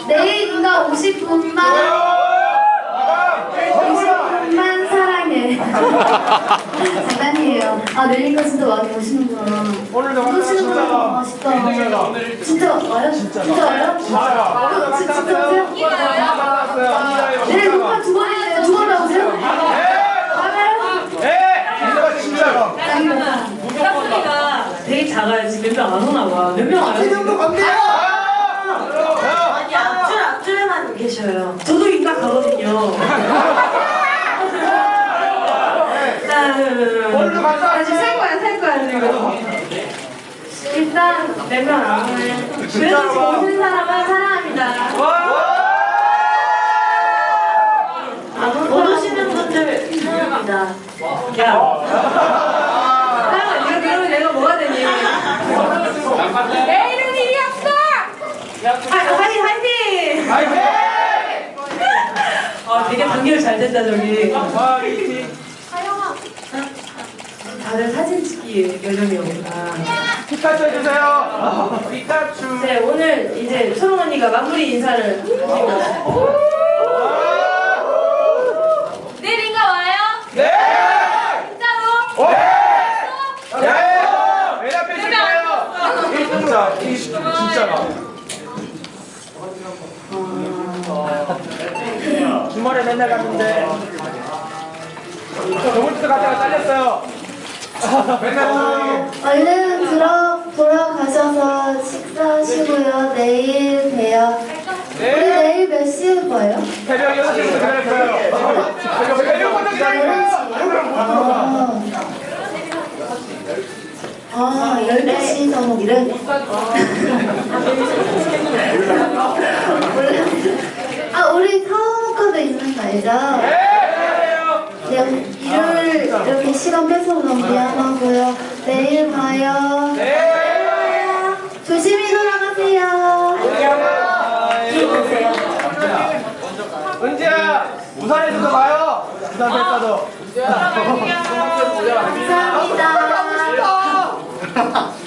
내일 누나 50분만 사랑해. 장난이에요. 아, 내일까지 진짜 많이 오시는구나. 오늘도 오시는구나. 아쉽다. 진짜 와요? 진짜 와요? 진짜 오세요? 내일 녹화 2번인데요. 2번 나오세요? 맞아요? 네! 진짜로! 목소리가 되게 작아요. 지금 몇 명 안 오나 봐. 몇 명 와요? 이 정도 건데요! 아니, 앞줄에만 계셔요. 저도 인가 가거든요. 오늘도 다시 살 거야, 지금. 일단, 몇 명 안 오네. 그래도 지금 오는 사람은 사랑합니다. 못 오시는 분들 사랑합니다. 야. 이거 그러면 내가 뭐가 되니? 내일은 일이 없어! 화이팅! 되게 단결 잘 된다, 저기. 다들 사진 찍기 요정이었구나. 피카츄 해주세요! 피카츄! 네, 오늘 이제 초롱 언니가 마무리 인사를 하시고. 내일인가 와요? 네! 진짜로? 네! 맨 앞에 있을 거예요! 진짜가. 주말에 맨날 갔는데 저번 주도 갔다가 잘렸어요. 맨날 얼른 돌아가셔서 식사하시고요. 내일 봬요. 우리 내일 몇 시에 봐요? 새벽 6시부터 기다릴 거예요. 새벽부터 기다릴 거예요. 12시 정도. 우리 사원과도 있는 거 알죠? 네, 일요일 이렇게 시간 뺏어서 너무 미안하고요. 내일 봐요. 조심히 돌아가세요. 은지야, 부산에서도 봐요. 부산 백사도. 감사합니다.